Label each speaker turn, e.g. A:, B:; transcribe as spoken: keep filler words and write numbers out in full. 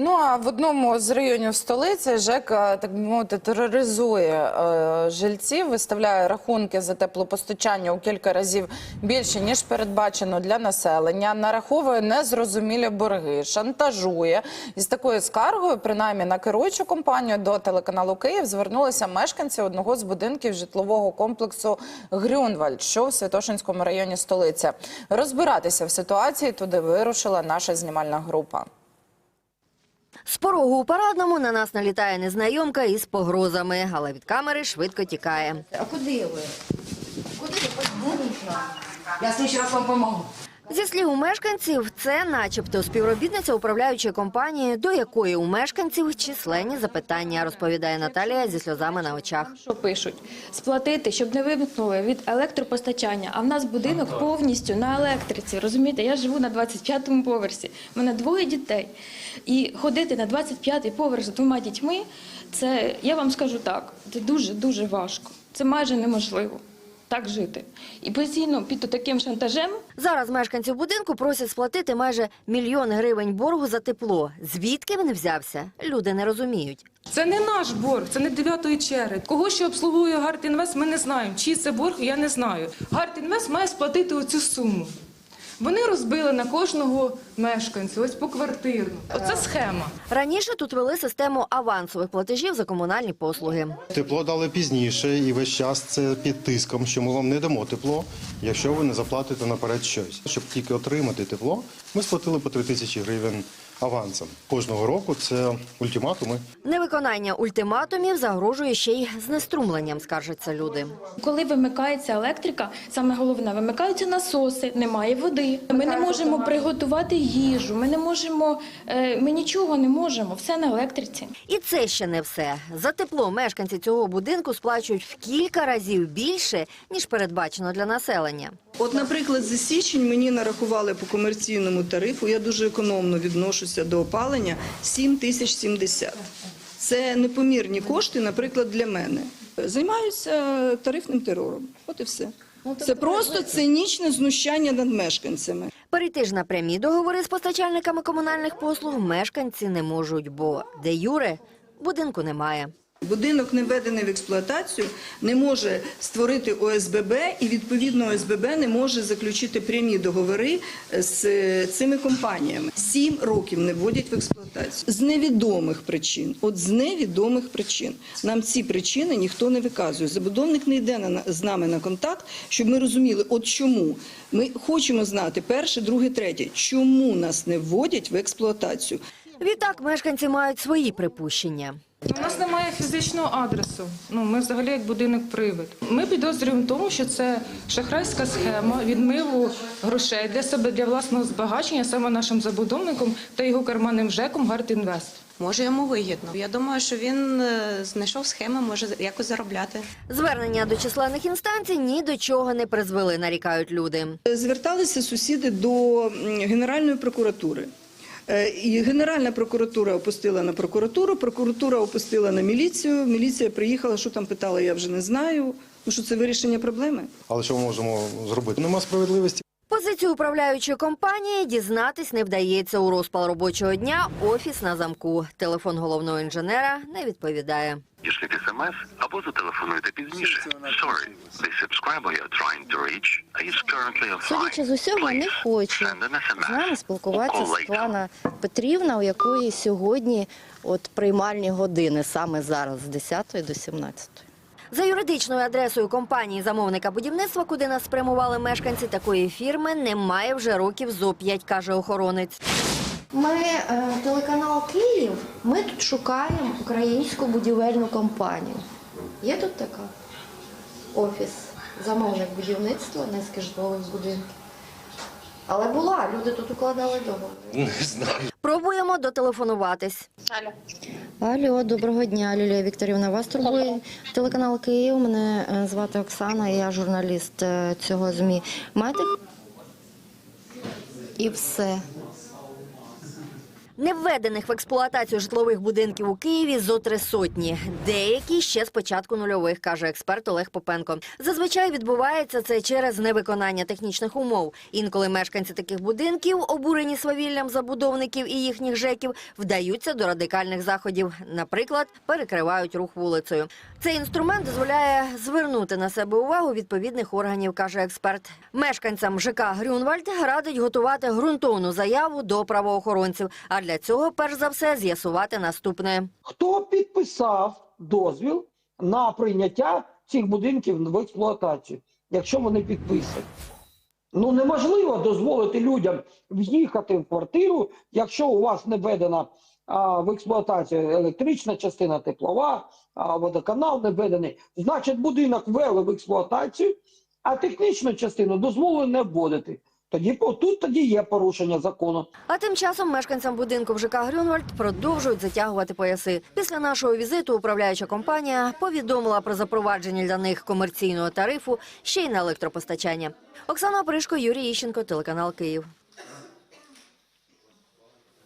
A: Ну, а в одному з районів столиці ЖЕК, так би мовити, тероризує е, жильців, виставляє рахунки за теплопостачання у кілька разів більше, ніж передбачено для населення, нараховує незрозумілі борги, шантажує. І з такою скаргою, принаймні на керуючу компанію, до телеканалу «Київ» звернулися мешканці одного з будинків житлового комплексу «Грюнвальд», що в Святошинському районі столиці. Розбиратися в ситуації туди вирушила наша знімальна група.
B: З порогу у Парадному на нас налітає незнайомка із погрозами, але від камери швидко тікає.
C: А куди ви? Куди ви подзвоніть нам? Я слідчий раз вам допоможу.
B: Зі слів мешканців, це начебто співробітниця управляючої компанії, до якої у мешканців численні запитання, розповідає Наталія зі сльозами на очах.
D: Що пишуть? Сплатити, щоб не вимкнули від електропостачання, а в нас будинок повністю на електриці, розумієте? Я живу на двадцять п'ятому поверсі, в мене двоє дітей. І ходити на двадцять п'ятий поверх з двома дітьми, це, я вам скажу так, це дуже-дуже важко, це майже неможливо. Так жити. І постійно під таким шантажем.
B: Зараз мешканців будинку просять сплатити майже мільйон гривень боргу за тепло. Звідки він взявся, люди не розуміють.
E: Це не наш борг, це не дев'ятої черги. Кого ще обслуговує Гартінвест, ми не знаємо. Чий це борг, я не знаю. Гартінвест має сплатити оцю суму. Вони розбили на кожного мешканця, ось поквартирно. Оце схема.
B: Раніше тут вели систему авансових платежів за комунальні послуги.
F: Тепло дали пізніше і весь час це під тиском, що ми вам не дамо тепло, якщо ви не заплатите наперед щось. Щоб тільки отримати тепло, ми сплатили по три тисячі гривень авансом. Кожного року це ультиматуми.
B: Невиконання ультиматумів загрожує ще й знеструмленням, скаржаться люди.
D: Коли вимикається електрика, саме головне, вимикаються насоси, немає води. Ми не можемо приготувати їжу, ми не можемо, ми нічого не можемо, все на електриці.
B: І це ще не все. За тепло мешканці цього будинку сплачують в кілька разів більше, ніж передбачено для населення.
G: От, наприклад, за січень мені нарахували по комерційному тарифу, я дуже економно відношуся до опалення, сім тисяч сімдесят. Це непомірні кошти, наприклад, для мене. Займаюся тарифним терором, от і все. Це просто цинічне знущання над мешканцями.
B: Перейти ж на прямі договори з постачальниками комунальних послуг мешканці не можуть, бо де юре будинку немає.
G: Будинок, не введений в експлуатацію, не може створити О С Б Б і, відповідно, О С Б Б не може заключити прямі договори з цими компаніями. Сім років не вводять в експлуатацію. З невідомих причин. От з невідомих причин. Нам ці причини ніхто не виказує. Забудовник не йде на, з нами на контакт, щоб ми розуміли, от чому. Ми хочемо знати перше, друге, третє, чому нас не вводять в експлуатацію.
B: Відтак мешканці мають свої припущення.
E: У нас немає фізичного адресу. Ну, ми взагалі як будинок-привид. Ми підозрюємо в тому, що це шахрайська схема відмиву грошей для себе, для власного збагачення саме нашим забудовником та його карманним ЖЕКом «Гартінвест».
H: Може, йому вигідно. Я думаю, що він знайшов схеми, може якось заробляти.
B: Звернення до численних інстанцій ні до чого не призвели, нарікають люди.
G: Зверталися сусіди до Генеральної прокуратури. І Генеральна прокуратура опустила на прокуратуру, прокуратура опустила на міліцію, міліція приїхала, що там питала, я вже не знаю. Ну, що це вирішення проблеми?
F: Але що ми можемо зробити? Нема справедливості.
B: Позицію управляючої компанії дізнатись не вдається. У розпал робочого дня офіс на замку. Телефон головного інженера не відповідає.
I: Дішліть смс або зателефонуйте пізніше. Sorry, the subscriber you're trying to reach is currently offline.
J: Судячи з усього, не хоче з нами спілкуватися Світлана Петрівна, у якої сьогодні от приймальні години, саме зараз, з десятої до сімнадцятої.
B: За юридичною адресою компанії замовника будівництва, куди нас спрямували мешканці такої фірми, немає вже років зо п'ять, каже охоронець.
J: Ми, е, телеканал «Київ», ми тут шукаємо українську будівельну компанію. Є тут така? Офіс, замовник будівництва, низки житлових будинків. Але була, люди тут укладали договори.
F: Не знаю.
B: Пробуємо дотелефонуватись.
J: Алло. Алло, доброго дня, Лілія Вікторівна. Вас турбує телеканал «Київ». Мене звати Оксана, я журналіст цього ЗМІ. Маєте? І все.
B: Не введених в експлуатацію житлових будинків у Києві зо три сотні. Деякі ще з початку нульових, каже експерт Олег Попенко. Зазвичай відбувається це через невиконання технічних умов. Інколи мешканці таких будинків, обурені свавіллям забудовників і їхніх жеків, вдаються до радикальних заходів. Наприклад, перекривають рух вулицею. Цей інструмент дозволяє звернути на себе увагу відповідних органів, каже експерт. Мешканцям ЖК Грюнвальд радить готувати ґрунтовну заяву до правоохоронців. А для цього, перш за все, з'ясувати наступне.
K: Хто підписав дозвіл на прийняття цих будинків в експлуатацію, якщо вони підписані? Ну, неможливо дозволити людям в'їхати в квартиру, якщо у вас не введена а, в експлуатацію електрична частина, теплова, а, водоканал не введений. Значить, будинок ввели в експлуатацію, а технічну частину дозволили не вводити. Тоді тут тоді є порушення закону.
B: А тим часом мешканцям будинку в ЖК Грюнвальд продовжують затягувати пояси. Після нашого візиту управляюча компанія повідомила про запровадження для них комерційного тарифу ще й на електропостачання. Оксана Опришко, Юрій Іщенко, телеканал Київ.